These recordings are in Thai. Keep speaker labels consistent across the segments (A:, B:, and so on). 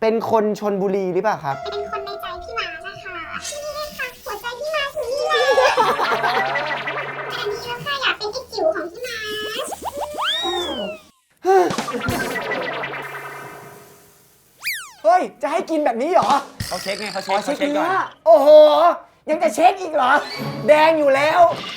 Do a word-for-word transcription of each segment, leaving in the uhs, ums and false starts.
A: เป็นคนชลบุรีหรือเปล่าครับ
B: เป็นคนในใจพี่มานะคะนี่เลยค่ะหัวใจพี่มาถึงนี่เลยอันนี้แล้วค่ะอยากเป็นไอ้จิ๋วของพี่มา
A: เฮ้ยจะให้กินแบบนี้เหรอ
C: เขาเช็คไงเขา
A: ขอ
C: เช็ค
A: เช็ค
C: เขาเช็คก่
A: เนื้
C: อ
A: อน โอ้โหยังจะเช็คอีกเหรอแดงอยู่แล้ว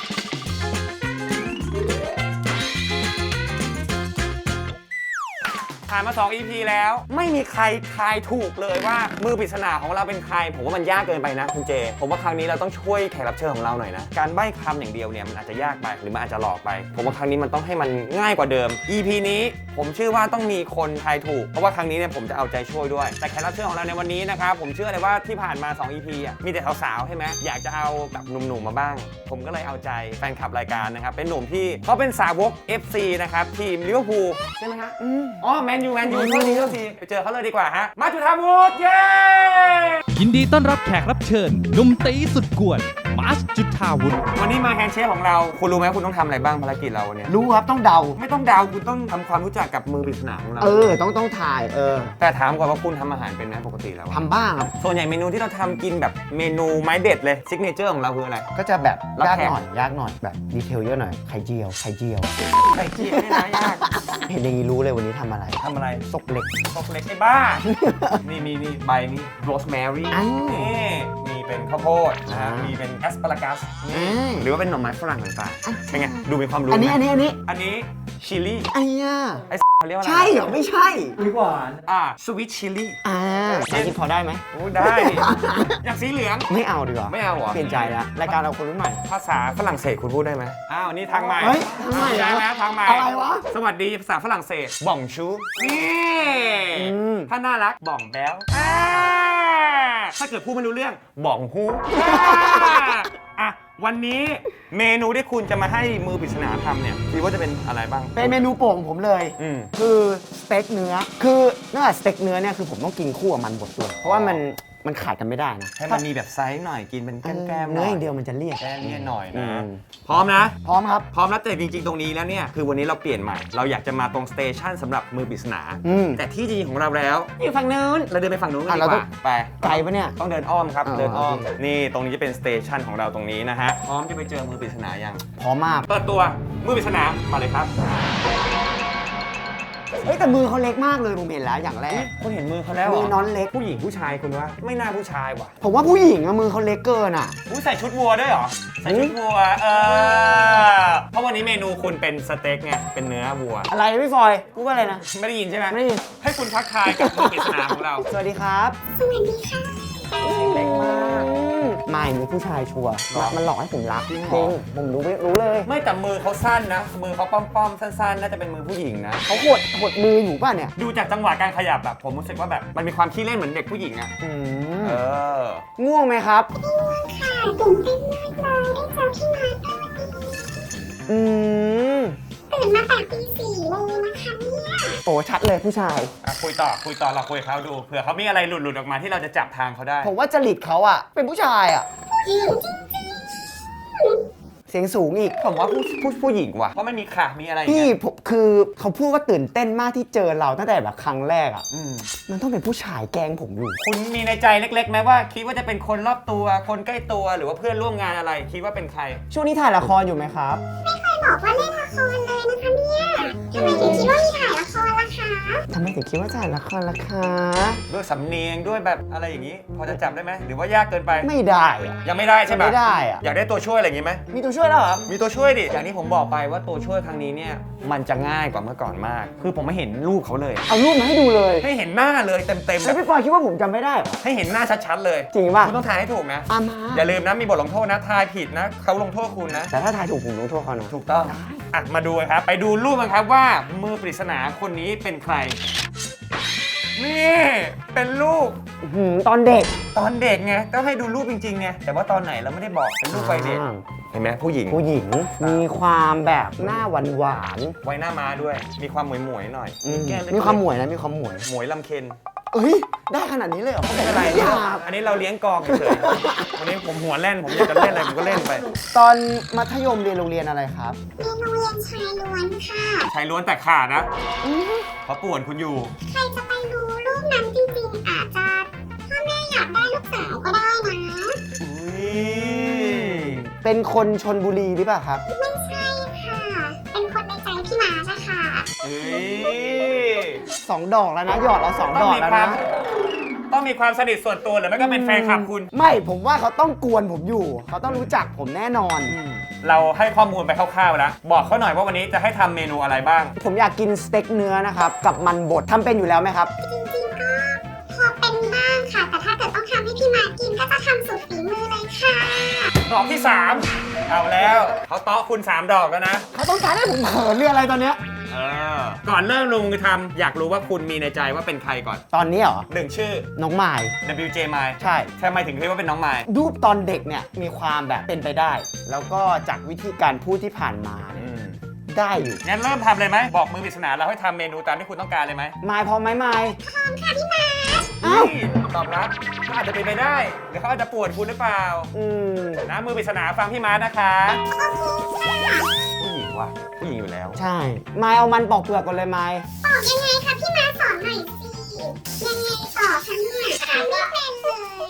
C: ผ่านมาสอง อี พี แล้วไม่มีใครทายถูกเลยว่ามือปริศนาของเราเป็นใครผมว่ามันยากเกินไปนะคุณเจผมว่าครั้งนี้เราต้องช่วยแขกรับเชิญของเราหน่อยนะการใบ้คำอย่างเดียวเนี่ยมันอาจจะยากไปหรือมันอาจจะหลอกไปผมว่าครั้งนี้มันต้องให้มันง่ายกว่าเดิม อี พี นี้ผมเชื่อว่าต้องมีคนทายถูกเพราะว่าครั้งนี้เนี่ยผมจะเอาใจช่วยด้วยแต่แขกรับเชิญของเราในวันนี้นะครับผมเชื่อเลยว่าที่ผ่านมาสอง อี พี อ่ะมีแต่สาวๆใช่ไหมอยากจะเอาแบบหนุ่มๆมาบ้างผมก็เลยเอาใจแฟนคลับรายการนะครับเป็นหนุ่มที่เขาเป็นสาวก เอฟ ซี นะครับทีมลิเวอร์พูลใช่ไหมฮะอ๋อแมนยูแมนยูโทษทีโทษทีไปเจอเขาเลยดีกว่าฮะมาจุธาวุฒิเย้
D: ยินดีต้อนรับแขกรับเชิญหนุ่มตีสุดกวนมาร์ชจุฑาวุฒิ
C: วันนี้มาแฮนด์เชฟของเราคุณรู้ไหมคุณต้องทำอะไรบ้างภารกิจเราเนี่ย
A: รู้ครับต้องเดา
C: ไม่ต้องเดาคุณต้องทำความรู้จักกับมือปริศนาของเรา
A: เออต้องต้องถ่ายเออ
C: แต่ถามก่อนว่าคุณทำอาหารเป็นไหมปกติแล้วอะ
A: ทำบ้างครับ
C: ส่วนใหญ่เมนูที่เราทำกินแบบเมนูไม้เด็ดเลยซิกเนเจอร์ของเราคืออะไร
A: ก็จะแบบ
C: รับ
A: ยาก
C: แขก
A: หน่อยยากหน่อยแบบดีเทลเยอะหน่อยไข่เจียวไข่เจียว
C: ไข่เจียวนี่นะยาก
A: เห็นอย่างนี้รู้เลยวันนี้ทำอะไร
C: ทำอะไร
A: ซกเล็ก
C: ตกเล็กไอ้บ้า นี่นี่นี่ใบนี่โรสแมรี่
A: อ้าว
C: นี่มีเป็นข้าวโพดนะฮะ
A: อ่ามี
C: มีเป็นแอสปารากัสนี่
A: อืม
C: หรือว่าเป็นหน่อไม้ฝรั่งต่างๆเป็นไงดูมีความรู้
A: อันนี้
C: ไหม
A: อันนี้อันนี้
C: อันนี้ชิลลี่
A: ไอ้ย่า
C: ไอ้เขาเรียกว่าอะไร
A: ใช่เหรอไม่ใช่
C: อ่าสวิตชิลลี่
A: อ่าอันนี้พอได้ไหม
C: โอ้ได้ดิอยากสีเหลือง
A: ไม่เอาดีกว่า
C: ไม่เอาเหรอ
A: เปลี่ยนใจแล้วรายการเราคนรุ่นใหม่
C: ภาษาฝรั่งเศสคุณพูดได้ไหมอ้าวนี่ทางใหม่
A: เฮ้ยทางใหม่เหรอ
C: ได้ไหมทางใหม่
A: อะไรวะ
C: สวัสดีภาษาฝรั่งเศสบ่องชูนี่
A: อืม
C: ถ้าน่ารักบ่องแบ๊วอ่าถ้าเกิดพูดไม่รู้เรื่องบ่องฮูอ่ะวันนี้เมนูที่คุณจะมาให้มือปริศนาทำเนี่ยคิดว่าจะเป็นอะไรบ้าง
A: เป็นเมนูโปรดของผมเลย
C: อืม
A: คือสเต็กเนื้อ คือเนื่องจากสเต็กเนื้อเนี่ยคือผมต้องกินคู่กับมันบดด้วย เพราะว่ามันมันขาดกันไม่ได้นะ
C: ให้มันมีแบบไซส์หน่อยกินเป็นแก้มๆหน่
A: เนื้
C: อ
A: อย อย่างเดียวมันจะเลี่ยน
C: แก้มเนี่ยหน่อย
A: อื
C: นะ
A: ม
C: พร้อมนะ
A: พร้อมครับ
C: พร้อมแล้วแต่จริงๆ ตรงนี้แล้วเนี่ยคือวันนี้เราเปลี่ยนใหม่ เราอยากจะมาตรงสเตชันสำหรับมือปริศนา
A: อืม
C: แต่ที่จริงของเราแล้วอยู่ฝั่งนู้นเราเดินไปฝั่งนู้นกัน
A: อ่ะ
C: ดี
A: เรา
C: ก
A: ต้อ
C: ว่าง ไป
A: ไกลปะเนี่ย
C: ต้องเดินอ้อมครับ
A: อ๋อ
C: เดินอ้อม
A: โอเค
C: นี่ตรงนี้จะเป็นสเตชันของเราตรงนี้นะฮะพร้อมจะไปเจอมือปริศนายัง
A: พร้อมมาก
C: เปิดตัวมือปริศนามาเลยครับ
A: เฮ้ยแต่มือเขาเล็กมากเลยผมเห็นแล้วอย่างแรก
C: คุณเห็นมือเขาแล้วเหร
A: มือน้อนเล็ก
C: ผู้หญิงผู้ชายคุณวะไม่น่าผู้ชายว่ะ
A: ผมว่าผู้หญิงอะมือเขาเล็กเกินอะ
C: อุ้ยใส่ชุดวัวด้วยเหรอใส่ชุดวัวเออเพราะวันนี้เมนูคุณเป็นสเต็กไงเป็นเนื้อวัว
A: อะไรพี่ฟอยพูดว่าอะไรนะ
C: ไม่ได้ยินใช่ไหม
A: ไม่ได้ยิน
C: ให้คุณทักทายกับมือปริศนาของเรา
A: สวัสดีครับ
B: สวัสดีค่ะ
C: เล็กมาก
A: ไม่มีผู้ชายชัวร์
C: หรอ
A: มันหลอกให้ผมรัก
C: จริงเหรอ
A: จริงผมรู้รู้เลย
C: ไม่แต่มือเขาสั้นนะ มือเขาป้อมๆสั้นๆ น่าจะเป็นมือผู้หญิงนะ
A: เขาหดหดมืออยู่ป่ะเนี่ย
C: ดูจากจังหวะการขยับแบบผมรู้สึกว่าแบบมันมีความขี้เล่นเหมือนเด็กผู้หญิงอะ
A: อืม
C: เออ
A: ง่วงไหมครับ
B: ค่ะตื่นเต้นมากเลยได้เจอพี่มา
A: อืม
B: ตื่นมาแต่ตีสี่เลยนะคะเนี่ย
A: โอ้ชัดเลยผู้ชาย
C: อ่ะคุยต่อคุยต่อเราคุยกับเขาดูเผื่อเขามีอะไรหลุดๆออกมาที่เราจะจับทางเขาได้
A: ผมว่าจริตเขาอะเป็นผู้ชายอะ
B: จริง
A: เสียงสูงอีก
C: ผมว่าผู้ผู้ผู้หญิงว่ะเพราะมันมีขามีอะไรอย่าง
A: พี่
C: เงี้ย
A: ผมคือเขาพูดว่าตื่นเต้นมากที่เจอเราตั้งแต่แบบครั้งแรกอะ
C: อืม
A: มันต้องเป็นผู้ชายแกล้งผมอยู่
C: คุณมีในใจเล็กๆไหมว่าคิดว่าจะเป็นคนรอบตัวคนใกล้ตัวหรือว่าเพื่อนร่วมงานอะไร คิดว่าเป็นใคร
A: ช่วงนี้ถ่ายละครอยู่ไหมครับ
B: ไม่เคยบอกว่าเล่นละครเลยนะคะเนี่ยทำไมถึงคิดว่ามีถ่ายละครล่ะคะ
A: ทำไมถึงคิดว่าถ่ายละครล่ะคะ
C: ด้วยสำเนียงด้วยแบบอะไรอย่างนี้ พอจะจับได้ไหมหรือว่ายากเกินไป
A: ไม่ได้อะ
C: ยังไม่ได้ใช่ปะ
A: ไม่ได้อะ
C: อยากได้ตัวช่วยอะไรอย่างนี้ไหม
A: มีตัวช่วยแล้วเหรอ
C: มีตัวช่วยดิ อย่างที่ผมบอกไปว่าตัวช่วยครั้งนี้เนี่ยมันจะง่ายกว่าเมื่อก่อนมาก คือผมไม่เห็นรูปเขาเลย
A: เอารูปมาให้ดูเลย
C: ให้เห็นหน้าเลยเต็มๆแบ
A: แล้ว
C: บ
A: พี่ปอยคิดว่าผมจำไม่ได้เหรอ
C: ให้เห็นหน้าชัดๆเลย
A: จริงป่ะ
C: คุณต้องทายให้ถูกนะ
A: อามา
C: อย่าลืมนะมีบทลงโทษนะทายผิดนะเขาลงโทษคุณนะ
A: แต่ถ้าทายถูกผมลงโทษเขานะ
C: ถูกต้องอ่ะมาดูกันครับ ไปดูรูปกันครับว่ามือปริศนาคนนี้เป็นใคร นี่เป็นรูป
A: อื้อหือตอนเด็ก
C: ตอนเด็กไงก็ให้ดูรูปจริงๆไงแต่ว่าตอนไหนเราไม่ได้บอกเป็นรูปวัยเด็ก
A: อ่า
C: เห็นไหมผู้หญิง
A: ผู้หญิงมีความแบบหน้าหวานหวาน
C: ไว้หน้าม้าด้วย มีความหมวยๆหน่อย
A: ๆอืม
C: แก้เล็กๆ
A: มีความหมวยนะมีความหมวย
C: หมวยลำเค็น
A: เอ้ยได้ขนาดนี้เลยเหรอ
C: ไม่เป็นไร
A: อยาก
C: อันนี้เราเลี้ยงกองเฉยๆวันนี้ผมหัวแล่นผมอยากจะเล่นอะไรผมก็เล่นไป
A: ตอนมัธยมเรียนโรงเรียนอะไรครับ
B: เรียนโรงเรียนชายล้วนค่ะ
C: ชายล้วนแต่ขาดนะเขาป่วนคุณอยู่
B: ใครจะไปรู้รูปนั้นจริงๆอาจ
A: เป็นคนชนบุรีหรือเปล่าครับ
B: ไม่ใช่ค่ะ เป็นคนในใจพี่มานะคะ
C: เฮ้ย
A: สองดอกแล้วนะหยอดเราสอง
C: ต้
A: ด
C: อง
A: อก
C: มี
A: แล้ว
C: ความ
A: นะ
C: ต้องมีความสนิทส่วนตัวหรือไม่ก็เป็นแฟนคลับคุณ
A: ไม่ผมว่าเขาต้องกวนผมอยู่ เขาต้องรู้จักผมแน่นอน
C: เราให้ข้อมูลไปคร่าวๆแล้ว บอกเขาหน่อยว่าวันนี้จะให้ทำเมนูอะไรบ้าง
A: ผมอยากกินสเต็กเนื้อนะครับ กับมันบดทำเป็นอยู่แล้วไหมครับ
B: จริงๆก็พอเป็นบ้างค่ะ แต่ถ้าเกิดต้องทำให้พี่มากินก็จะทำสุดฝีมือเลยค่ะ
C: ดอกที่สามเอาแล้วเขาเตาะคุณสามดอกแล้วนะ
A: เขาต้องการให้ผมเขินเรื่องอะไรตอนเนี้ย
C: เออ ก่อนเริ่มลงมือทำอยากรู้ว่าคุณมีในใจว่าเป็นใครก่อน
A: ตอนนี้เหรอ
C: หนึ่งชื่อ
A: น้องไม้
C: ดับเบิลยู เจ มาย
A: ใช่
C: ทำไมถึงเรียกว่าเป็นน้องมาย
A: รูปตอนเด็กเนี่ยมีความแบบเป็นไปได้ แล้วก็จากวิธีการพูดที่ผ่านมาเนี่ยได้อยู่
C: งั้นเริ่มทำเลยไหมบอกมือปริศนาเราให้ทำเมนูตามที่คุณต้องการเลยไหม
A: ไม้พร้อมไหมไม้
B: พร้อมค่ะพี่มา
A: อ้าว
C: นี่ตอบรับก็อาจจะเป็นไปได้หรือเขาอาจจะปวดคุณหรือเปล่า
A: อืม
C: นะมือปริศนาฟังพี่มาร์ทนะคะ
B: โอเคค่ะ
C: ผู้หญิงว่ะผู้หญิงอยู่แล้ว
A: ใช่ ไม้เอามันปอกเปลือกก่อนเลยไม้
B: ตอบยังไงคะพี่มาสอนหน่อยสิ ยังไงต่อคะเนี่ยทำไม่เป็นเลย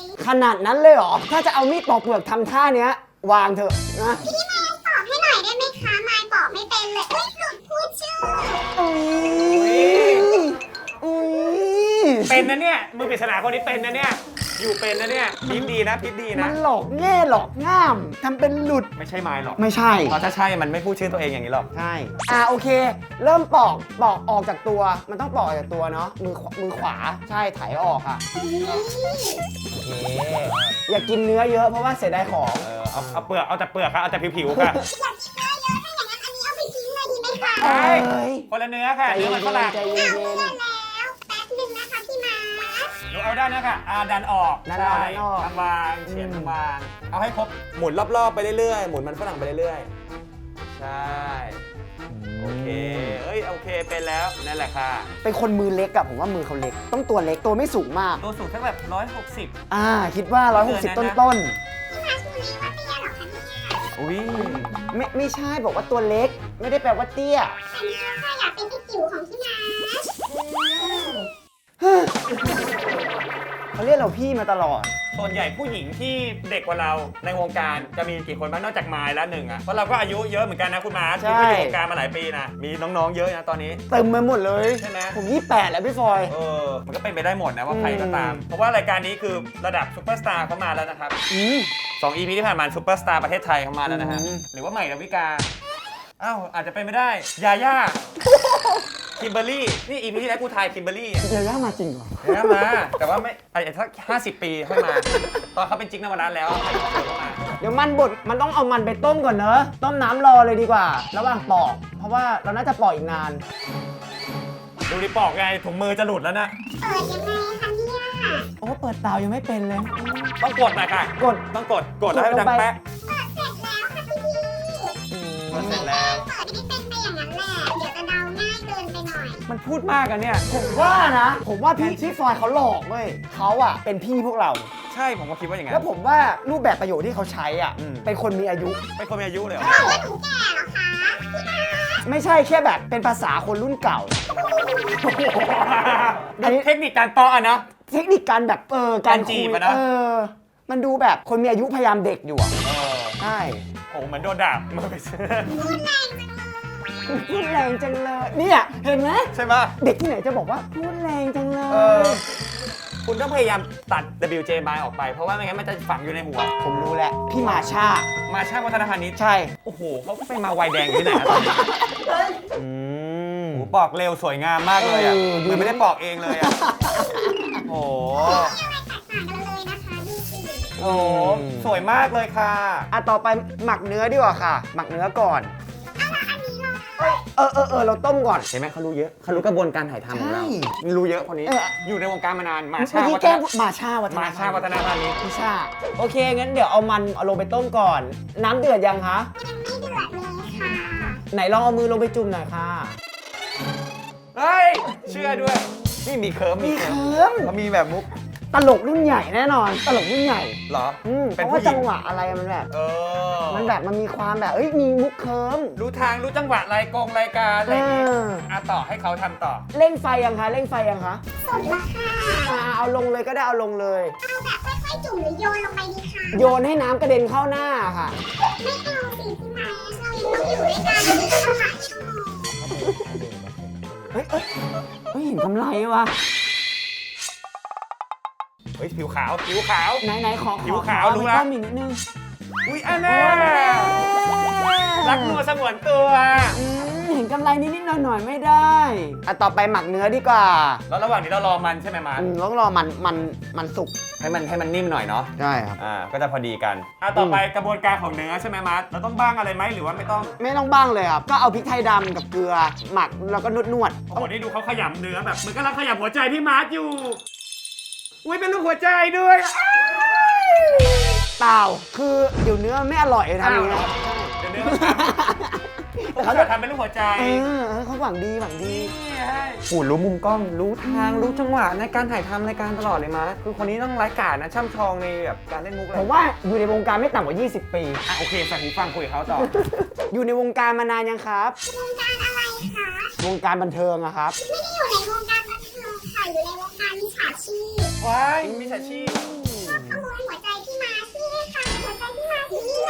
A: ขนาดนั้นเลยเหรอ ถ้าจะเอามีดปอกเปลือกทำท่าเนี้ยวางเถอะนะ
B: พี่มาตอบให้หน่อยได้ไหมคะมายตอบไม่เป็นเลยอุ้ยหลุดพูดชื่อ
A: อุ้ยอุ้ย
C: เป็นนะเนี่ยมือปริศนาคนนี้เป็นนะเนี่ยอยู่เป็นนะเนี่ยพิษดีนะพิษดี
A: มั
C: นะ
A: นหลอกแง่หลอกง่ามทำเป็นหลุด
C: ไม่ใช่ไม้หรอก
A: ไม่ใช่
C: เพราะถ้าใช่มันไม่พูดชื่อตัวเองอย่างนี้หรอก
A: ใช่ อ่าโอเค เริ่มปอกปอกออกจากตัว มันต้องปอกออกจากตัวเนาะ มือขวามือขวา ใช่ไถออกอ่ะ โอเค อย่ากินเนื้อเยอะเพราะว่าเสียดายของ
C: เออเอาเอาเปลือกเอาแต่เปลือกค่ะเอาแต่ผิวๆค่ะ
B: อยากกินเนื้อเยอะถ้าอย่างนั้นอันนี้เอาไปทิ้งเลยดีไหมคะ
C: ใช่
A: เอ้ย
C: คนละเนื้อค่ะ
A: ใจ
C: เนื้
A: เย็
C: อมันฝรั่ง
A: นๆใจเย็น
B: แล้วแป๊บหนึ่งนะคะพี่มา
C: หนูเอาด้านนี้ค่ะอาดันออก
A: ดันออก
C: ใช่
A: ดันออก
C: บางๆเฉียงบางๆเอาให้ครบหมุนรอบๆไปเรื่อยๆหมุนมันฝรั่งไปเรื่อยๆใช่โอเคเอ้ยโอเคเป็นแล้วนั่นแหละค่ะ
A: ๆเป็นคนมือเล็กอะผมว่ามือเขาเล็ก ต้องตัวเล็ก ตัวไม่สูงมาก
C: ตัวสูงสักแบบร้อยหกสิบ
A: อ่า คิดว่า ร้อยหกสิบ
C: เกิ
A: ต้
C: น
A: น
C: นะ
A: ต้น
B: พี่มาชูนี้ว่าเตี้ยเหรอคะเนี่ย
C: อุ้ย
A: ๆไม่ไม่ใช่บอกว่าตัวเล็ก ไม่ได้แปลว่าเตี้ย
B: อันนี้ค่ะอยากเป็นไอ้จิ๋วของพี่มา
A: เขาเรียกเราพี่มาตลอด
C: ส่วนใหญ่ผู้หญิงที่เด็กกว่าเราในวงการจะมีกี่คนบ้างนอกจากไมล์แล้วหนึ่งอ่ะเพราะเราก็อายุเยอะเหมือนกันนะคุณมาร์ค
A: ใช่
C: ที่อยู่วงการมาหลายปีนะมีน้องๆเยอะนะตอนนี้
A: เต็มไปหมดเลย
C: ใช่ไหม
A: ผมยี่สิบแปดแล้วพี่ฟอย
C: เออมันก็เป็นไปได้หมดนะว่าใครก็ตาม
A: อืม
C: เพราะว่ารายการนี้คือระดับซูเปอร์สตาร์เขามาแล้วนะครับ
A: อืม
C: สอง อี พี ที่ผ่านมาซูเปอร์สตาร์ประเทศไทยเขามาแล้วนะฮะ
A: อืม
C: หรือว่าใหม่ดาวิกาอ้าวอาจจะเป็นไม่ได้ยาย่าคิมเบอร์รี่นี่ อี พี ที่แล้วกูทายคิมเบอร์รี่
A: เดี๋ยวย่ามาจริงเหรอ
C: นะมา แต่ว่าไม่ไอ้สักห้าสิบปีค่อยมา ตอนเขาเป็นจิ๊กนวรัตน์แล้วให้เขาเข้ามา
A: เดี๋ยวมันบดมันต้องเอามันไปต้มก่อนเนอะต้มน้ำรอเลยดีกว่า ระหว่างปอก เพราะว่าเราน่าจะปอกอีกนาน
C: ดูดิปอกไงถุงมือจะหลุดแล้วนะ
B: เปิดยังไงคะเนี่ย
A: โอ้เปิดเตายังไม่เป็นเลย
C: ต้องกดหน่อยค่ะ
A: กด
C: ต้องกดกดแล้วให้มันดังแป๊ะ
B: เปิดเสร็จแล้วค่ะพี่พี่
C: กดเสร็จแล้ว
B: เปิดไม่เป็นไปอย่างนั้นแหละ เดี๋ยวจะเดาง่ายเกินไปหน่อย
C: มันพูดมากอะเนี่ย
A: ผมว่านะ ผมว่าพี่พี่ฟอยเขาหลอกเว้ยเขาอะเป็นพี่พวกเรา
C: ใช่ผมก็คิดว่าอย่างนั้
A: แล้ว
C: น
A: ผมว่ารูปแบบประโยคที่เขาใช้อ่ะ
C: อืม
A: เป็นคนมีอายุ
C: เป็นคนมีอายุเลยเหรอ
B: บอกว่าหนูแก่เหรอคะพี่มา
A: ไม่ใช่แค่แบบเป็นภาษาคนรุ่นเก่า อันนี้
C: เทคนิคการตออะนะ
A: เทคนิคการแบบเออการ
C: การจี
A: คุย
C: บอะนะ
A: เออ มันดูแบบคนมีอายุพยายามเด็กอยู่อ่ะ
C: เออ
A: ใช่
C: โอ้เหมือนโดนด่ามือไปซื้อ
A: พูดแรงจังเลยเนี่ยเห็นไหม
C: ใช่ปะ
A: เด็กที่ไหนจะบอกว่าพูดแรงจังเล
C: เออย คุณต้องพยายามตัด ดับเบิลยู เจ มายออกไป เพราะว่าไม่งั้นมันจะฝังอยู่ในหัว
A: ผมรู้แล้วพี่มาชา
C: มาช่างวัฒนพาณิชย์
A: ใช่
C: โอ้โหเขาไปมาวัยแดงอยู่ที่ไหนอะตอนนี้
A: อืม
C: โอ้โหปอกเร็วสวยงามมากเลยอ่ะ
A: เออ
C: เหมือนไม่ได้ปอกเองเลยอ่ะ โอ้โห
B: ไม่แตกต่างกันเลยนะคะดูสิ
C: โอ้โหสวยมากเลยค่ะ
A: อ่ะต่อไปหมักเนื้อดีกว่าค่ะ หมักเนื้อก่อน เออเออเออเราต้มก่อน
C: เห็นไหมเขารู้เยอะเขารู้กระบวนการถ่ายทำของเรา
A: ใช่
C: รู้เยอะคนนี้
A: เออ
C: อยู่ในวงการมานานมา
A: เมื่
C: ชา
A: อกี้
C: วัฒ
A: แกล้ง
C: น
A: มาชาวัฒน
C: มาชาวัฒนพาณิชย์
A: พี่ชาโอเค งั้นเดี๋ยวเอามันเอาลงไปต้มก่อน น้ำเดือดยังคะ
B: ยังไม่เดือดเลยค่ะ
A: ไหนลองเอามือลงไปจุ่มหน่อยค่ะ
C: เฮ้ย เชื่อด้วย นี่มีเคิร์ม
A: มี
C: มี
A: เคิ
C: เคิร์ม
A: ร์ม
C: เขามีแบบมุก
A: ตลกรุ่นใหญ่แน่นอน ตลกรุ่นใหญ่
C: เหรอ
A: อืมเพ
C: เป็น
A: ราะ
C: ผู้
A: ว่า
C: หญิง
A: จังหวะอะไรมันแบบ
C: เออ
A: มันแบบมันมีความแบบ เอ้ย มีมุกเคิร์ม
C: รู้ทางรู้จังหวะรายกงรายการอะไรอย่างงี้
A: เออ
C: อ่ะต่อให้เขาทำต่อ
A: เร่งไฟยังคะ เร่งไฟยังคะ
B: สุดละค่ะ
A: อ่าเอาลงเลยก็ได้เอาลงเลย
B: เอาแบบค่อยจุ่มหรือโยนลงไปดีคะ
A: โยนให้น้ำกระเด็นเข้าหน้าค่ะ
B: ไม่เอาสิพี่ไม้เรายังต้องอยู่ด้วยกันเราหลายชั่วโมง
A: เฮ้ยเอ้ยเฮ้ยเห็นกำไรวะ
C: เฮ้ยผิวขาวผิวขาว
A: ไหนไหนขอ
C: ผิวขาว
A: ขอ
C: รู้
A: ไป
C: ละ
A: ต้มอีกนิดนึง
C: อุ้ยอันน่ารักนัวสงวนตัว
A: อืมเห็นกำไรนิดๆหน่อยๆไม่ได้อ่ะต่อไปหมักเนื้อดีกว่า
C: แล้วระหว่างนี้เรารอมันใช่ไหมมาร์ท
A: อืมต้องรอมันมันมันสุก
C: ให้มันให้มันนิ่มหน่อยเนาะ
A: ใช่ครับ
C: อ่าก็จะพอดีกันอ่ะต่อไปกระบวนการของเนื้อใช่ไหมมาร์ทเราต้องบ้างอะไรไหมหรือว่าไม่ต้อง
A: ไม่ต้องบ้างเลยครับ ก็เอาพริกไทยดำกับเกลือหมักแล้วก็นวดนวด
C: โอ้โหนี่ดูเขาขยำเนื้อแบบเหมือนกำลังขยำหัวใจพี่มาร์ทอยู่อุ้ยเป็นรูปหัวใจด้วย
A: เปล่าคือเดี๋ยวเนื้อไม่อร่อยทำอย่างเงี้ย
C: เดี๋ยวเนื้อมันทำ
A: แต่
C: เขา
A: เขา
C: จะทำเป็นรูปหัวใจ
A: เออเออเขาหวังดีหวังดี
C: หูรู้มุมกล้องรู้ทางรู้จังหวะในการถ่ายทำรายการตลอดเลยมาร์ทคือคนนี้ต้องไร้กาจนะช่ำชองในแบบการเล่นมุกเลย
A: ผมว่าอยู่ในวงการไม่ต่ำกว่า ยี่สิบ ปี
C: อ่ะโอเคใส่หูฟังคุยกับเขาต่อ
A: อยู่ในวงการมานานยังครับ
B: วงการอะไรคะ
A: วงการบันเทิงอะครับ
B: ไม่ได้อยู่ในวงการบันเทิงค่ะอยู่ในวงการมิจฉาชีพ
C: ว้ายมิจฉาชีพ
B: ขโมยหัวใจพี่มาพี่ค่ะหัวใจพี่มาอยู่นี่ไง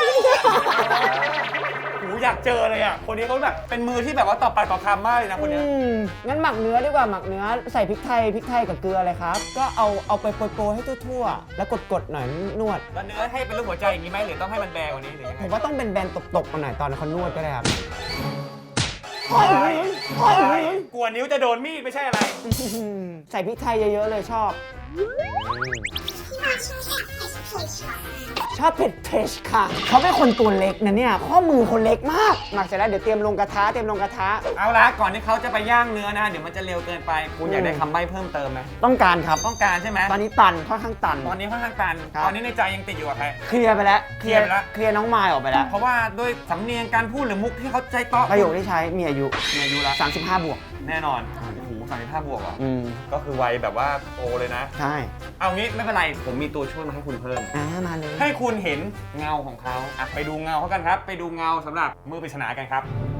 C: หูอยากเจอเลยอ่ะคนนี้เขาแบบเป็นมือที่แบบว่าต่อปากต่อคำมากเลยนะคนเนี้ย
A: อืมงั้นหมักเนื้อดีกว่าหมักเนื้อใส่พริกไทยพริกไทยกับเกลือเลยครับ ก็เอาเอาไปโปรยๆให้ทั่วๆ แล้วกดๆหน่อยนวด
C: แล้วเนื้อให้เป็นรูปหัวใจอย่างนี้ไหมหรือต้องให้มันแบกว่านี้หรือยัง
A: ผ
C: ไง
A: มว่าต้องเป็นแบนๆตบๆมาหน่อยตอนเขานวดก็ได้ครับ
C: ว้ายว้ายกลัวนิ้วจะโดนมีดไม่ใช่อะไร
A: ใส่พริกไทยเยอะๆเลยชอบ
B: พี่มาช่วยแอบเผ็ดเผ็ดค่ะ
A: ชอบเผ็ดเผ็ดค่ะ เขาเป็นคนตัวเล็กนะเนี่ย ข้อมือคนเล็กมาก หมักเสร็จแล้วเดี๋ยวเตรียมลงกระทะเตรียมลงกระทะ
C: เอาละก่อนที่เขาจะไปย่างเนื้อนะเดี๋ยวมันจะเร็วเกินไปคุณอยากได้คำใบ้เพิ่มเติมไหม
A: ต้องการครับ
C: ต้องการใช่ไหม
A: ตอนนี้ตันค่อนข้างตัน
C: ตอนนี้ค่อนข้างตัน
A: ครับ
C: ตอนนี้ในใจยังติดอยู่กับใคร
A: เคลียร์ไปแล้ว
C: เคลียร์ไปแล้ว
A: เคลียร์น้องมายออกไปแล้ว
C: เพราะว่าด้วยสำเนียงการพูดหรือมุกที่เขาใจเตาะ
A: ประโยคที่ใช้มีอายุ
C: มีอายุละ
A: สามสิบห้าบวก
C: แน่นอนโอ้โหสามสิบห้าบวกเหรอ
A: อืม
C: ก็คือวัยแบบว่าโตเลยนะ
A: ใช่
C: เอางี้ไม่เป็นไรผมมีตัวช่วยมาให้คุณเพิ่ม
A: อ่ามาเลย
C: ให้คุณเห็นเงาของเขาอ่ะไปดูเงาเขากันครับ ไปดูเงาสำหรับมือปริศนากันครับ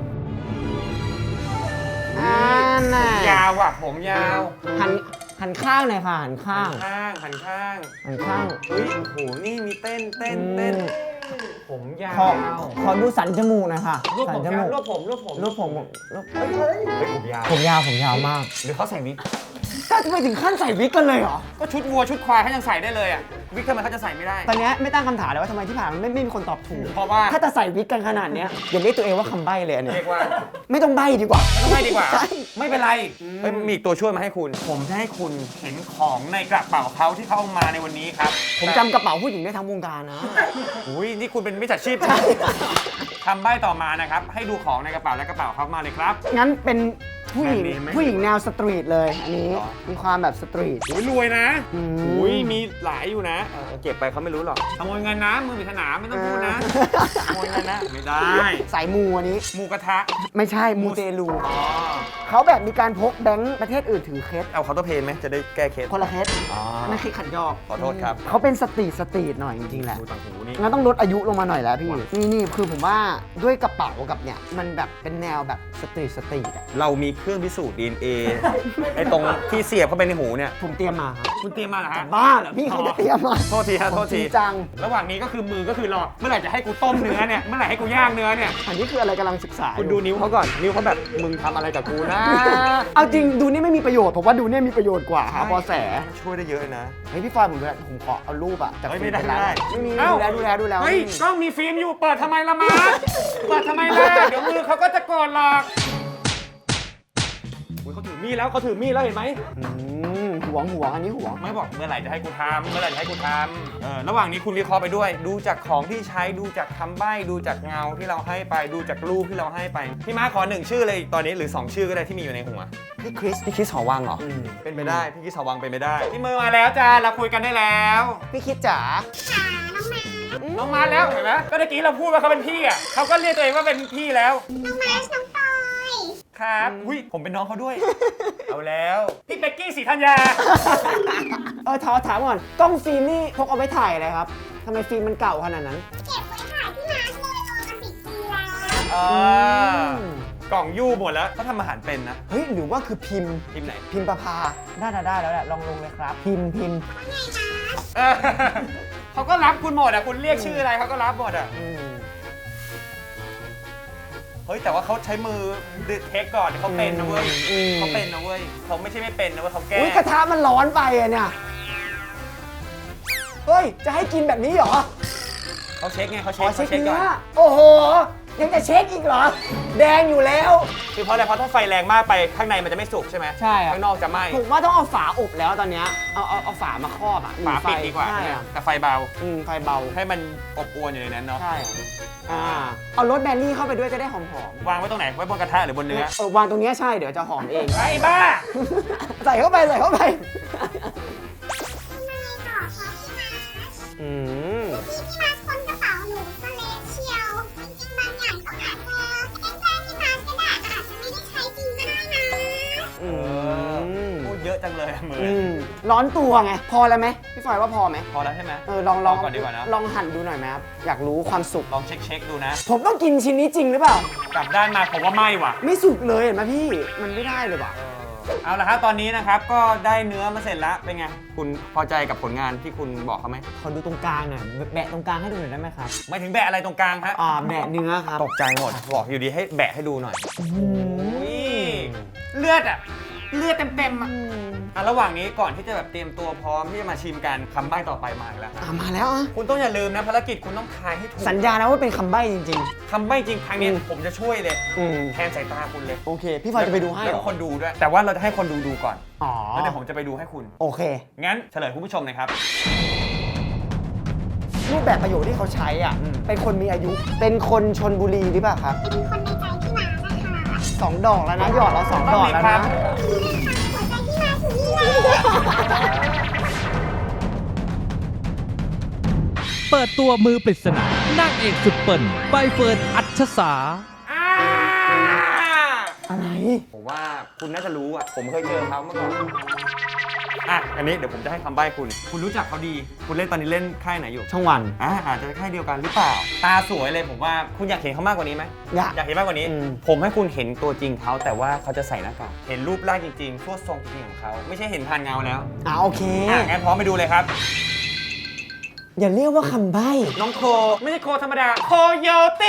A: อ่าน่ะ
C: ยาวอ่ะผมยาว
A: หันหันข้างหน่อยค่ะหันข้าง
C: ข้างหันข้าง
A: หันข้าง
C: เฮ้ยโอ้โหนี่มีเต้นเต้นเต้นผมยา
A: ขอ
C: ว
A: ขอดูสันจมูกหน่อยค่ะ
C: รูป
A: สั
C: ผม
A: จ
C: ยา
A: มู
C: ว
A: ก
C: รูปผมรูปผม
A: รูปผมรูป
C: เฮ้ยเฮ้ยเฮ้ยผมยาว
A: ผมยาวผมยาวมาก
C: หรือเขาใส่วิก
A: ถ้าจะไปถึงขั้นใส่วิกกันเลยเหรอ
C: ก็ชุดวัวชุดควายเขายังใส่ได้เลยอ่ะวิกทำไมเขาจะใส่ไม่ได้
A: ตอนเนี้ยไม่ตั้งคำถามเลยว่าทำไมที่ผ่านมาไม่ไม่มีคนตอบถูก
C: เพราะว่า
A: ถ้าจะใส่วิกกันขนาดเนี้ยอย่าเรียกตัวเองว่าคำใบ้เลยอันเนี่ย
C: เรียกว่า
A: ไม่ต้องใบ้ดีกว่า
C: ไม่ต้องให้ดีกว่า
A: ใช่
C: ไม่เป็นไรเฮ้ยมีอีกตัวช่วยมาให้คุณ ผมจะให้คุณเห็นของในกระเป๋าเขาที่เขาเอามาในวันนี้ครับ
A: ผมจำกระเป๋าผู้หญิงได้ทั้งวงการนะ
C: อุ้ยนี่คุณเป็นมิจฉาชีพใช่ไหมคำใบ้ต่อมานะครับ ให้ดูของในกระเป๋าและกระเป๋าเขามาเลยครับ
A: งั้นเป็นผู้หญิง
C: แบรนด์เนมไหม
A: ผู้หญิงแนวสตรีทเลย อันนี้
C: หรอ
A: มีความแบบสตรีท
C: อุ้ยรวยนะ
A: อืม
C: อุ้ยมีหลายอยู่นะเออเก็บไปเขาไม่รู้หรอกขโมยเงินนะมือปริศนาไม่ต้องพูดนะขโมยเงินนะไม่ได้
A: สายมูอันนี้
C: หมูกระทะ
A: ไม่ใช่มูเตลู
C: อ๋อ
A: เขาแบบมีการพกแบงค์ประเทศอื่นถือเคส
C: เอาเคาน์เตอร์เพย์ไหมจะได้แก้เคส
A: คนละเคส
C: อ๋อ
A: นั่นคือขันยอก
C: ขอโทษครับ
A: เขาเป็นสตรีทสตรีทหน่อยจริงๆแหละ
C: ดูต่างหูนี่
A: งั้นต้องลดอายุลงมาหน่อยแล้วพี่ นี่นี่คือผมว่าด้วยกระเป๋ากับเนี่ย มันแบบเป็นแนวแบบสตรีทสตรีทอะ
C: เรามีเครื่องพิสูจน์ ดี เอ็น เอ ไอ้ตรงที่เสียบเข้าไปในหูเนี่ย
A: ผมเตรียมมาครับ
C: คุณเตรียมมาเหรอฮะ
A: บ้าเหรอพี่เขาจะเตรียมมา
C: โทษทีฮะโทษ
A: จ
C: ที
A: ริงจัง
C: ระหว่างนี้ก็คือมือก็คือรอเมื่อไหร่จะให้กูต้มเนื้อเนี่ยเมื่อไหร่ให้กูย่างเนื้อเนี่ย
A: อันนี้คืออะไรกำลังศึกษาอยู่
C: คุณดูนิ้วเขาก่อนนิ้วเขาแบบมึงทำอะไรกับกูนะ
A: เอาจริงดูนี่ไม่มีประโยชน์ผมว่าดูเนี่ยมีประโยชน์กว่าหาเบอแส
C: ช่วยได้เยอะนะ
A: เฮ้ยพี่ฟอยผมดูแลผมขอเอารูปอะจาก
C: เฮ้ย
A: ฟิ
C: ไม่
A: ล์
C: ได้
A: ป
C: ไม่ได้
A: ไม่มี
C: เอ้า
A: ดูแลดูแลดูแล
C: เฮ้ยกล้องมีฟิล์มอยู่เปิดทำไมละมาเปิดทำไมล่ะเดี๋ยวมือเขาก็จะโกรธหรอกอุ๊ยเขาถือมีดแล้วเขาถือมีดแล้วเห็นไหม
A: อืมหวงหวงอันนี้หวง
C: ไม่บอกเมื่อไหร่จะให้กูทำเมื่อไหร่จะให้กูทำเออระหว่างนี้คุณวิเคราะห์ไปด้วย ดูจากของที่ใช้ดูจากคำใบ้ดูจากเงาที่เราให้ไปดูจากรูปที่เราให้ไปพี่ม้าขอหนึ่งชื่อเลยตอนนี้หรือสองชื่อก็ได้ที่มีอยู่ในหัว
A: พี่คริส
C: พี่คิสหอวังเหรอ
A: อืม
C: เป็นไปได้พี่คิสหอวังเป็นไปได้พี่มือมาแล้วจ้าเราคุยกันได้แล้ว
A: พี่คิดจ๋า
B: ค่ะน้องมา
C: น้องมาแล้วเห็นไหมก็เมื่อกี้เราพูดว่าเขาเป็นพี่อ่ะเขาก็เรียกตัวเองว่าเป็นพี่แล้ว
B: น้องมาน้องปอย
C: ครับอุ้ยผมเป็นน้องเขาด้วย เอาแล้วพี่เป๊กกี้ศรีธัญญา
A: เออถามถามก่อนกล้องฟิล์มนี่พกเอาไว้ถ่ายอะไรครับทำไมฟิล์มมันเก่าขนาดนั้น
B: เก็บไว้ถ่ายที่มาเลยรอมาสิบปีแล้ว
C: อ่ากล่องยู่หมดแล้วเขาทำอาหารเป็นนะ
A: เฮ้ยหรือว่าคือพิมพ์
C: ทีมไหน
A: พิมพ์ประภาได้ได้ได้แล้วแหละลองลงเลยครับ พิมพ์พิมพ์
C: เออเขาก็รับคุณหมดอ่ะคุณเรียกชื่ออะไรเขาก็รับหมดอ่ะ
A: อืม
C: เฮ้ยแต่ว่าเขาใช้มือดึเทคก่อนเขาเป็นนะเว้ย
A: อืม
C: เขาเป็นนะเว้ยเขาไม่ใช่ไม่เป็นนะเว้ยเขาแก้
A: อุ้ยกระทะมันร้อนไปอะเนี่ย เฮ้ย จะให้กินแบบนี้เหรอ
C: เขาเช็คไงเขา
A: ข
C: เช็
A: อ
C: ค
A: เช็ค
C: เขาเช็คก่
A: เนื้
C: อน
A: อ โอ้โห ยังจะเช็คอีกเหรอ แดงอยู่แล้ว
C: คือเพราะอะไรเพราะถ้าไฟแรงมากไปข้างในมันจะไม่สุกใช่ไหม
A: ใช่ครับ
C: ข้างนอกจะไหม้
A: ผมว่าต้องเอาฝาอบแล้วตอนเนี้ยเอาเอาเอาฝามาครอบอ่ะ
C: ฝาปิด
A: ไฟ
C: ดีกว่า
A: ใช่อะ
C: แต่ไฟเบา
A: อืมไฟเบา
C: ให้มันอบอวนอยู่ในนั้นเนาะ
A: ใช่อะอ่า เอารสแบนรี่เข้าไปด้วยจะได้หอมหอม
C: วางไว้ตรงไหนไว้บนกระทะหรือบนเนื้อ
A: เออวางตรงเนี้ยใช่เดี๋ยวจะหอมเอง
C: ไอ้บ้า
A: ใส่เข้าไปใส่เข้าไป
B: ทำไมต่อคะพี่มาร์ช
A: อืม
B: ที่พี่มาร์ชค้นกระเป๋าหนูซะเละเชียว จริงๆบางอย่างก็อาจจะแกล้งๆพี่มาร์ชก็ได้อาจจะไม่ได้ใช้จริงก็ได้นะ
A: อืม
C: พูดเยอะจังเลยอะมือ
A: อืมร้อนตัวไง พอแล้วไหมพี่ฟอยว่าพอไหม
C: พอแล้วใช่ไหม
A: เออลองลอง
C: เอาก่อนดีกว่านะ
A: ลองหั่นดูหน่อยไหมครับ อยากรู้ความสุก
C: ลองเช็คเช็คดูนะ
A: ผมต้องกินชิ้นนี้จริงหรือเปล่า
C: กลับด้านมาผมว่าไหม้ว่ะ
A: ไม่สุกเลยเห็นไหมพี่ มันไม่ได้เลยว่ะ
C: เอาละครับตอนนี้นะครับก็ได้เนื้อมาเสร็จแล้วเป็นไงคุณพอใจกับผลงานที่คุณบอกเขาไหม
A: ขอดูตรงกลางหน่อยแบะตรงกลางให้ดูหน่อยได้ไหมครับ
C: ไม่ถึงแบะอะไรตรงกลางฮะ
A: อ่าแบะเนื้อครับ
C: ตกใจหมดบอกอยู่ดีให้แบะให้ดูหน่อย
A: อืม
C: เลือดอ่ะเลือดเต็มๆอ่ะอ่ะระหว่างนี้ก่อนที่จะแบบเตรียมตัวพร้อมที่จะมาชิมกันคำใบ้ต่อไปมาอีกแล้ว
A: อ่ามาแล้วอ่ะ
C: คุณต้องอย่าลืมนะภารกิจคุณต้องทายให้ถูก
A: สัญญานะว่าเป็นคำใบ้จริง
C: คำใบ้จริงครั้งนี้
A: อืม
C: ผมจะช่วยเลย
A: ๆ อืม
C: แทนสายตาคุณเลย
A: โอเค พี่ฟอยจะไปดูให้
C: แล้
A: เห
C: ว
A: ร
C: ก็
A: อ
C: คนดูด้วย แต่ว่าเราจะให้คนดูดูก่อน
A: อ๋อ
C: แล้วเดี๋ยวผมจะไปดูให้คุณ
A: โอเค
C: งั้นเฉลยคุณผู้ชมหนะครับ
A: รูปแบบประโยคที่เขาใช้อ่ะ
C: อืม
A: เป็นคนมีอายุ เป็นคนชนบุรีหรือเปล่าครับ
B: เป็นคนในใจพี่มาร์ชนะคะ
A: สองดอกแล้วนะ หยอดเราสองดอกแล้วนะ
B: นี่นะคะหัวใจพี่มาร์ชอยู่นี่เลย
D: เปิดตัวมือปริศนานางเอกสุดเปิ่นใบเฟิร์นอัชสา
A: อะไร
C: ผมว่าคุณน่าจะรู้อ่ะ ผมเคยเจอเขาเมื่อก่อน อ่ะ อันนี้เดี๋ยวผมจะให้คำใบ้คุณ คุณรู้จักเขาดี คุณเล่นตอนนี้เล่นค่ายไหนอยู่
A: ช่องวัน
C: อ่าอาจจะค่ายเดียวกันหรือเปล่า ตาสวยเลยผมว่าคุณอยากเห็นเขามากกว่านี้ไหม
A: อยาก
C: อยากเห็นมากกว่านี้
A: อืม
C: ผมให้คุณเห็นตัวจริงเขาแต่ว่าเขาจะใส่หน้ากาก เห็นรูปร่างจริงๆทั่วทรงจริงของเขา ไม่ใช่เห็นผ่านเงาแล้ว
A: อ่าโอเค
C: อ่ะงั้นพร้อมไปดูเลยครับ
A: อย่าเรียกว่าคำใบ้
C: น้องโค ไม่ใช่โคธรรมดา โคโยติ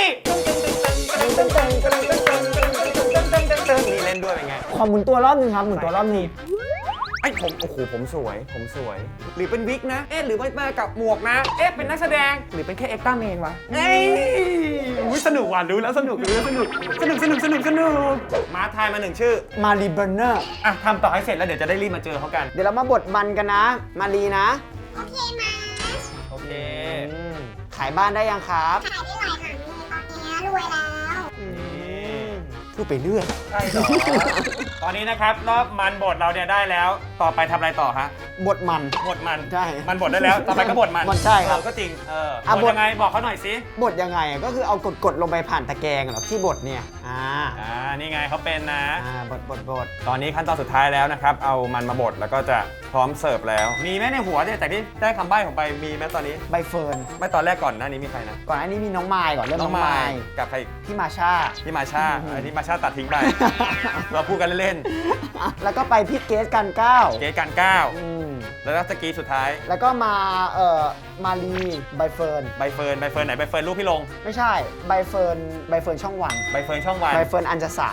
C: นี่เล่นด้วยเป็นไง
A: ขอหมุนตัวรอบหนึงครับ หมุนตัวรอบหนึง
C: ไอ้ผมโอ้โหผมสวย ผมสวย หรือเป็นวิกนะ เอ๊ะหรือว่ามากับหมวกนะ เอ๊ะเป็นนักแสดงหรือเป็นแค่เอ็กซ์ต้าเมนวะเอ้ยอุ๊ยสนุกว่ะรู้แล้วสนุกรู้แล้วสนุกสนุกสนุกสนุกสนุกมาทายมาหนึ่งชื่อ
A: มารีเบอร์เนอร์
C: อ่ะทำต่อให้เสร็จแล้วเดี๋ยวจะได้รีบมาเจอเขากัน
A: เดี๋ยวเรามาบดมันกันนะ มารีนะ
B: โอเคมาร์ช
C: โอเค
A: อืมขายบ้านได้ยังครับ
B: ขายได้หลายหลังเลยตอนนี้รวยแล้ว
A: พูดไปเรื่อย
C: ใช่เหรอ ตอนนี้นะครับรอบมันบดเราเนี่ยได้แล้ว ต่อไปทำอะไรต่อฮะ
A: บดมัน
C: บดมัน
A: ใช่
C: มันบดได้แล้ว ต่อไปก็บดมัน
A: บดใช่ครับ
C: เออก็จริง เออ
A: อ่ะ
C: บด
A: บด
C: ยังไงบอกเขาหน่อยสิ
A: บดยังไงอ่ะก็คือเอากดกดๆลงไปผ่านตะแกรงเหรอที่บดเนี่ย อ่า
C: อ่า นี่ไงเขาเป็นนะ
A: อ่า บดบดบด
C: ตอนนี้ขั้นตอนสุดท้ายแล้วนะครับ เอามันมาบดแล้วก็จะพร้อมเสิร์ฟแล้ว มีไหมในหัวเนี่ยแต่ที่ได้คำใบ้ผมไป มีไหมตอนนี้
A: ใบเฟิร์น
C: ไม่ตอนแรกก่อนหน้านี้มีใครนะ
A: ก่อนอันนี้มีน้องไมล์ก่อนเริ่มน้องไมล์
C: กับใครอีก
A: พี่มาชา
C: พี่มาชา
A: อืม
C: ไอ้ที่มาชาตัดทิ้งไป เราพูดกันเล่น
A: แล้วก็ไปพี่เกสกันเก้า
C: ๆเกตการก้าว
A: อืม
C: แล้วก็สกีสุดท้าย
A: แล้วก็มาเอ่อมารีใบเฟิร์น
C: ใบเฟิร์น ใบเฟิร์นไหน ใบเฟิร์นรูปพี่ลง
A: ไม่ใช่ใบเฟิร์นใบเฟิร์นช่องวัน
C: ใบเฟิร์นช่องวัน
A: ใบเฟิร์นอัญจสา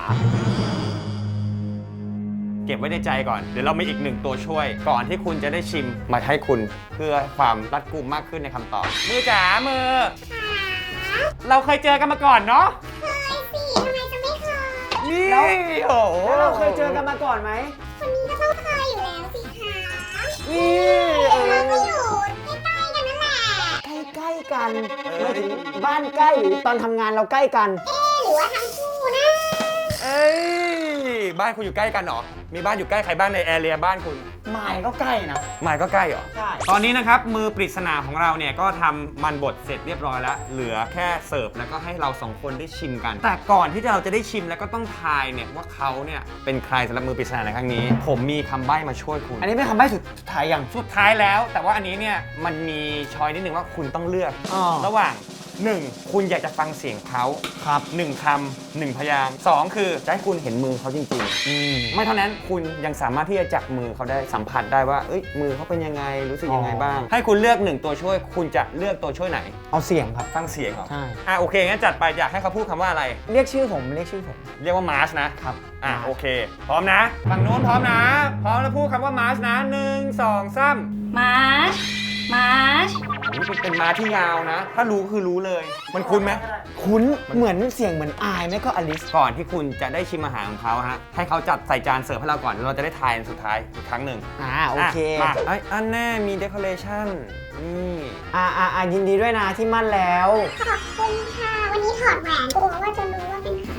C: เก็บไว้ในใจก่อน เดี๋ยวเรามีอีกหนึ่งตัวช่วย ก่อนที่คุณจะได้ชิมมาให้คุณ เพื่อความรัดกุมมากขึ้นในคำตอบ มือจ๋ามือ เราเคยเจอกันมาก่อนเนาะ
B: เคยสิทำไมจะไม่เคย
C: นี่
A: แล้ว
C: โอ้โห
A: แล้วเราเคยเจอกันมาก่อนไหม
B: คนนี้ก็ต้องเคยอยู่แล้วสิคะ
A: นี่เอ
B: เราก็
A: อ
B: อยู่ใกล้ๆกันนั่นแหละ
A: ใกล้ๆกันไม่ถึงบ้านใกล้หรือตอนทำงานเราใกล้กัน
B: เอ๊ะหรือว่าทั้งคู่นะ
C: เอ้ย บ้านคุณอยู่ใกล้กันเหรอ มีบ้านอยู่ใกล้ใครบ้างในแอเรียบ้านคุณ
A: หมายก็ใกล้นะ
C: หมายก็ใกล้เหรอ
A: ใช่
C: ตอนนี้นะครับมือปริศนาของเราเนี่ยก็ทำมันบดเสร็จเรียบร้อยแล้ว เหลือแค่เสิร์ฟแล้วก็ให้เราสองคนได้ชิมกัน แต่ก่อนที่เราจะได้ชิมแล้วก็ต้องทายเนี่ยว่าเขาเนี่ยเป็นใครสำหรับมือปริศนาในครั้งนี้ ผมมีคำใบ้มาช่วยคุณ
A: อันนี้เป็นคำใบ้สุดท้ายยัง
C: สุดท้ายแล้ว แต่ว่าอันนี้เนี่ยมันมีช้อยนิดนึงว่าคุณต้องเลือก
A: อ๋อ
C: ระหว่างหนึ่งคุณอยากจะฟังเสียงเขาครับหนึ่งคำหนึ่งพยางค์สองคือจะให้คุณเห็นมือเขาจริงๆไม่เท่านั้นคุณยังสามารถที่จะจับมือเขาได้สัมผัสได้ว่าเอ้ยมือเขาเป็นยังไงรู้สึกยังไงบ้าง ให้คุณเลือกหนึ่งตัวช่วย คุณจะเลือกตัวช่วยไหน
A: เอาเสียงครับ
C: ฟังเสียงเหรอ
A: ใช่
C: อ่ะโอเคงั้นจัดไปอยากให้เขาพูดคำว่าอะไร
A: เรียกชื่อผมเรียกชื่อผม
C: เรียกว่ามาร์ชนะครับ อ่ะโอเค พร้อมนะฝั่งโน้นพร้อมนะ พร้อมแล้วพูดคำว่ามาร์ชนะหนึ่งสองสาม
B: มาร์ชมาร์ช
C: นี่เป็นเป็นม้าที่ยาวนะ ถ้ารู้คือรู้เลย มันคุ้นไหม
A: คุ้นเหมือนเสียงเหมือนอายไหมก็อลิส
C: ก่อนที่คุณจะได้ชิมอาหารของเขาฮะ ให้เขาจัดใส่จานเสิร์ฟให้เราก่อนแล้วเราจะได้ทายอันสุดท้ายอีกครั้งหนึ่ง
A: อ่าโอเค
C: ะมาไอ้ยอันแน่มีเดคอเรชั่นนี่
A: อ่าอ่าอ่ายินดีด้วยนะที่มั่นแล้ว
B: ขอบคุณค่ะ วันนี้ถอดแหวนกลัวว่าจะรู้ว่าเป็นใคร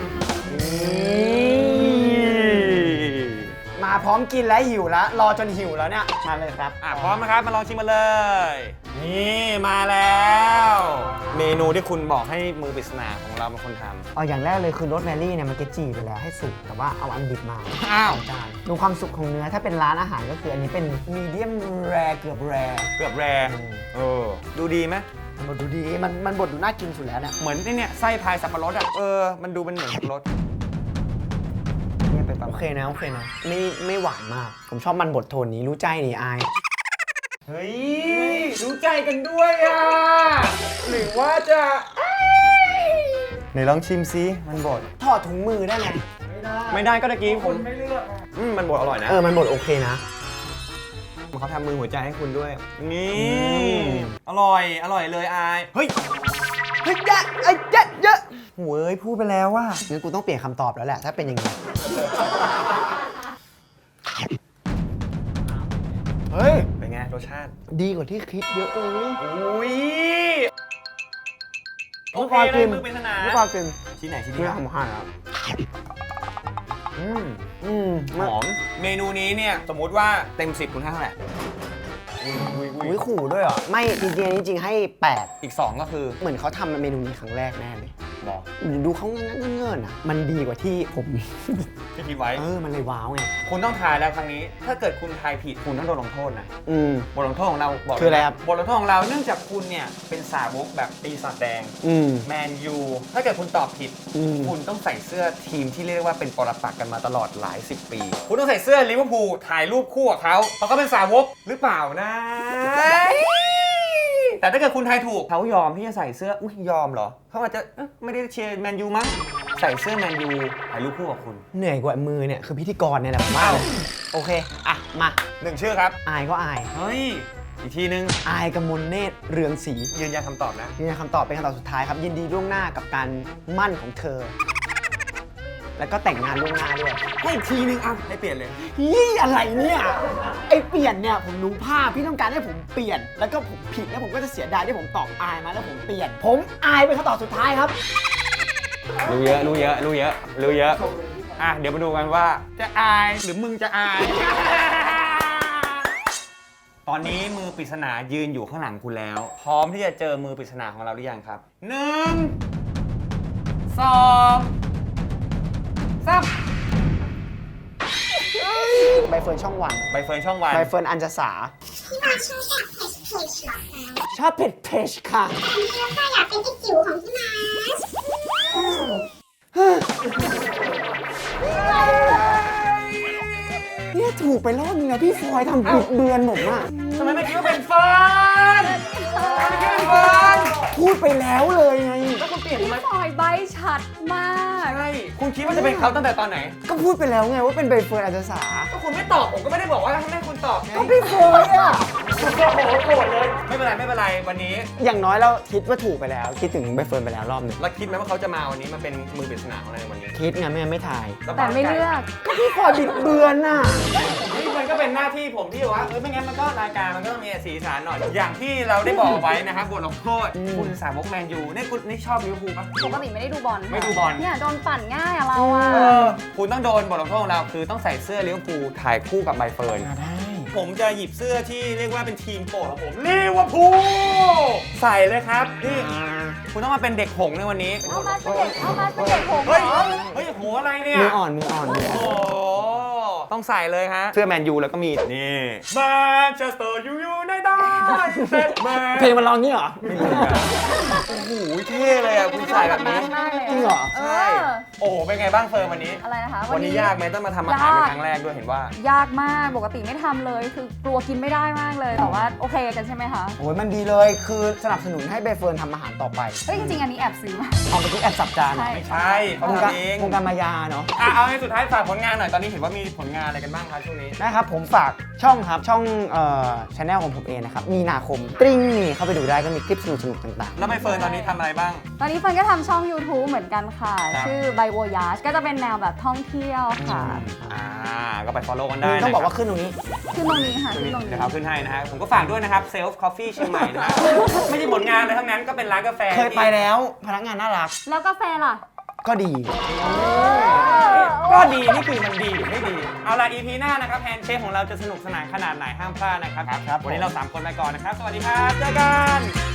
A: มาพร้อมกินแล้วหิวแล้วรอจนหิวแล้วเนี่ยมาเลยครับ
C: อ่ะพร้อมนะครับ มาลองชิมมาเลย นี่มาแล้ว เมนูที่คุณบอกให้มือปริศนาของเราเป็นคนทำ
A: เอาอย่างแรกเลยคือโรสแมรี่เนี่ยมันจะจีไปแล้วให้สุกแต่ว่าเอาอันดิบมา
C: อ้าว
A: จานดูความสุกของเนื้อถ้าเป็นร้านอาหารก็คืออันนี้เป็นมีเดียมแรเกือบแร
C: เกือบแรเออ ดูดีไหม
A: มันบดดูดีมันมันบดดูน่ากินสุดแล้วเนี่ย
C: เหมือนไอ้เนี่ยไส้พายสับปะรดอ่ะ เออ มันดูเป็นเหมือนสับปะรดเนี่ยเป็นประ
A: โอ
C: มาณ
A: เคนะโอเคนะไม่ไม่หวานมาก ผมชอบมันบดโทนนี้รู้ใจนี่อาย
C: เฮ้ย รู้ใจกันด้วยอ่ะ หรือว่าจะไหนลองชิมซิมันบด
A: ถอดถุงมือได้ไหม
C: ไม่ได้ก็ตะกี้ผมไม่เลือกอืมมันบดอร่อยนะ
A: เออมันบดโอเคนะ
C: เขาทำมือหัวใจให้คุณด้วย นี่
A: ม
C: อร่อย อร่อยเลยอาย เฮ้ย
A: เฮ้ยเยอะเอ้ยเยอะเยอะโว้ยพูดไปแล้วว่างั้นกูต้องเปลี่ยนคำตอบแล้วแหละถ้าเป็นอย่างนี้เฮ้ย
C: เป็นไงรสชาติ
A: ดีกว่าที่คิดเยอะเลย
C: อุ้ย โอเค
A: ไม่พอ
C: เล
A: กิ
C: ย
A: น
C: มือเป็นสนาม
A: ไม่พอกิน
C: ชิ้นไหนชิ้น
A: เนื้
C: นี้
A: อ
C: ครับ
A: ผมหั่นแล้ว
C: อืม
A: อืม
C: หอม เมนูนี้เนี่ย สมมุติว่าเต็มสิบคุณให้เท่าไหร่อุ้ยอุ้ยอุ้
A: อุ้
C: ย
A: ยขู่ด้วยเหรอ ไม่จริงๆจริงๆให้แปด
C: อีกสองก็คือ
A: เหมือนเขาทำเมนูนี้ครั้งแรกแน่เลย
C: บอก
A: ดูเขาเงี้ยเงื่อนๆอ่ะ มันดีกว่าที่ผม
C: ที่คิดไว้
A: เออ มันเลยว้าวไง
C: คุณต้องทายแล้วครั้งนี้ ถ้าเกิดคุณทายผิดคุณต้องโดนลงโทษนะ
A: อืม
C: บทลงโทษของเราบอก
A: คืออะไรครับ
C: บทลงโทษของเราเนื่องจากคุณเนี่ยเป็นสาวกแบบปีศาจแดง
A: อืม
C: แมนยู ถ้าเกิดคุณตอบผิด
A: อืม
C: คุณต้องใส่เสื้อทีมที่เรียกว่าเป็นปรปักษ์กันมาตลอดหลายสิบปี คุณต้องใส่เสื้อลิเวอร์พูลถ่ายรูปคู่กับเขาเพราะเขาเป็นสาวกหรือเปล่านะ แต่ถ้าเกิดคุณทายถูกเขายอมที่จะใส่เสื้ออุ้ยยอมเหรอเขาอาจจะเอ๊ะไม่ได้เชียร์แมนยูมั้งใส่เสื้อแมนยูถ่ายรูปคู่กับคุณ
A: เหนื่อยกว่ามือเนี่ย คือพิธีกรเนี่ยแหละผมว่าเลยโอเค อ่ะ มา
C: หนึ่งชื่อครับ
A: อายก็อาย
C: เฮ้ยอีกทีนึง
A: อายกมลเนตรเรืองศรี
C: ยืนยันคำตอบนะ
A: นี่นะคำตอบเป็นคำตอบสุดท้ายครับ ยินดีล่วงหน้ากับการมั่นของเธอ แล้วก็แต่งงานล่วงหน้าด้วย
C: ให้อีกทีนึงอ่ะให้เปลี่ยนเลย
A: ยี่อะไรเนี่ย ไอเปลี่ยนเนี่ยผมรู้ภาพพี่ต้องการให้ผมเปลี่ยน แล้วก็ผมผิดแล้วผมก็จะเสียดายที่ผมตอบอายมาแล้วผมเปลี่ยน ผมอายเป็นคำตอบสุดท้ายครับ
C: รู้เยอะรู้เยอะรู้เยอะรู้เยอะอ่ะเดี๋ยวมาดูกันว่าจะอายหรือมึงจะอาย ตอนนี้มือปริศนายืนอยู่ข้างหลังคุณแล้ว พร้อมที่จะเจอมือปริศนาของเราหรือยังครับหนึ่งสองสาม
A: ใบเฟิร์นช่องวัน
C: ใบเฟิร์นช่องวัน
A: ใบเฟิร์นอัญจสา
B: ที่มาช่วยจากเพจเพจหรอคะ
A: ชอบเผ็ดเพชค่ะ
B: วันนี้เราค่ะอยากเป็นไอ้จิ๋วของพี่มาร์ช
A: เนี่ยถูกไปรอบนึงนะพี่ฟอยทำบิดเบือนผมอะ
C: ทำไมไม่คิดว่าเป็นเฟิร์นทำไมไม่คิดว่าเป็นเฟิร์น
A: พูดไปแล้วเลยไง
C: แล้วคุณเปลี่ยนทำไม
E: ปล่อยใบชัดมาก
C: ใช่คุณคิดว่าจะเป็นเขาตั้งแต่ตอนไหน
A: ก็พูดไปแล้วไงว่าเป็นใบเฟิร์นอัญจสา
C: ก็คุณไม่ตอบผมก็ไม่ได้บอกว่าให้คุณตอบไง
A: ก็พี่ฟอยอะ
C: คุณก็โหโกรธเลยไม่เป็นไรไม่เป็นไรวันนี้
A: อย่างน้อยเราคิดว่าถูกไปแล้ว คิดถึงใบเฟิร์นไปแล้วรอบหนึ่ง
C: เราคิดไหมว่าเขาจะมาวันนี้มาเป็นมือปริศนาของเราในวันนี้
A: คิดไงไม่งั้นไม่ถ่าย
E: แต่ไม่เลือก
A: ก็พี่ฟอยบิดเบือนน่ะ
C: นี่มันก็เป็นหน้าที่ผมที่ว่าเออไม่งั้นมันก็รายการมันก็ต้องมีสีสันหน่อยอย่างที่เราได้บอกไว้นะครับบทลงโทษ
A: อืม
C: คุณสาวกแมนยูนี่คุณนี่ชอบลิเวอร์พูลปะ
E: ปกติไม่ได้ดูบอล
C: ไม่ดูบอล
E: เนี่ยโดนปั่นง่ายอะเราอะ
C: เออคุณต้องโดนบทลงโทษของเราคือต้องใส่เสื้อลิเวอร์พูลถ่ายคู่กับใบเฟิร์น
A: ได้
C: ผมจะหยิบเสื้อที่เรียกว่าเป็นทีมโปรดของผมลิเวอร์พูลใส่เลยครับนี่คุณต้องมาเป็นเด็กหงส์ในวันนี้
E: เอามาเป็นเด็กเอามาเป็นเด็กผมเห
C: เฮ้ย
E: รอ
C: เฮ้ยโหอะไรเนี่ย
A: มืออ่อนมืออ่อนมือ
C: โอ้
A: อ่อน
C: โหต้องใส่เลยฮะ เสื้อแมนยูแล้วก็มี นี่แมนเชสเตอร์ยูยูไนเต็ด
A: เพลงมันร้องงี้เหรอ
C: นโอ้โหเท่เลยอ่ะคุณใส่แบบนี้
E: มากเลย
A: จริงเหรอ
E: เอ
C: ใช่
E: อ
C: โอ้โหเป็นไงบ้างเฟิร์มวันนี้
E: อะไรนะคะ
C: วันนี้ยากไหมต้องมาทำอาหารเป็นครั้งแรกด้วยเห็นว่า
E: ยากมากปกติไม่ทำเลยคือกลัวกินไม่ได้มากเลยแต่ว่าโอเคกันใช่ไหมคะ
A: โอ้ยมันดีเลยคือสนับสนุนให้ใบเฟิร์นทำอาหารต่อไป
E: เฮ้ยจริงๆอันนี้แอบซื้อมา
A: เอาไปทุกแอบสับจาน
E: ใช่
C: ไม่ใช่เขา
A: วงการ
C: ทำเอง
A: วงการมายาเนาะ
C: อ่ะเอาให้สุดท้ายฝากผลงานหน่อยตอนนี้เห็นว่ามีผลงานอะไรกันบ้างครับช่วงนี้
A: นะครับผมฝากช่องครับ ช่องเอ่อช anel ของผมเองนะครับ มีนาคมตริ้งนี่เข้าไปดูได้ก็มีคลิปสนุกๆต่าง
C: แล้วใบเฟิร์นตอนนี้ทำอะไรบ้าง
E: ตอนนี้เฟิร์นก็ทำช่อง YouTube เหมือนกันค่ะ
C: ครับ
E: ชื่อ By Voyage ก็จะเป็นแนวแบบท่องเที่ยวค่ะ
C: อ่าก็ไป follow กัน
A: ๆ
C: ได้
A: มึง
C: นะ
A: ต้องบอก
C: ครั
A: ว่าขึ้นตรงนี้
E: ขึ้นตรงนี้ค่ะ
C: ตรง
E: ขึ้น
C: นี้
E: ตรงนี้
C: เดี๋ยวเขาขึ้นให้นะฮะผมก็ฝากด้วยนะครับ Self Coffee เชียงใหม่นะฮะ ไม่ใช่ผลงานเลยทั้งนั้นก็เป็นร้านกาแฟ
A: เคยไปแล้วพนักงานน่ารัก
E: แล้วกาแฟล่ะ
A: ก็ดี
C: ก็ดีนี่คือมันดีหรือไม่ดี เอาล่ะ อี พี หน้านะครับแฮนด์เชฟของเราจะสนุกสนานขนาดไหนห้ามพลาดนะครับ
A: ครับ
C: วันนี้เราสามคนไปก่อนนะครับ สวัสดีครับเจอกัน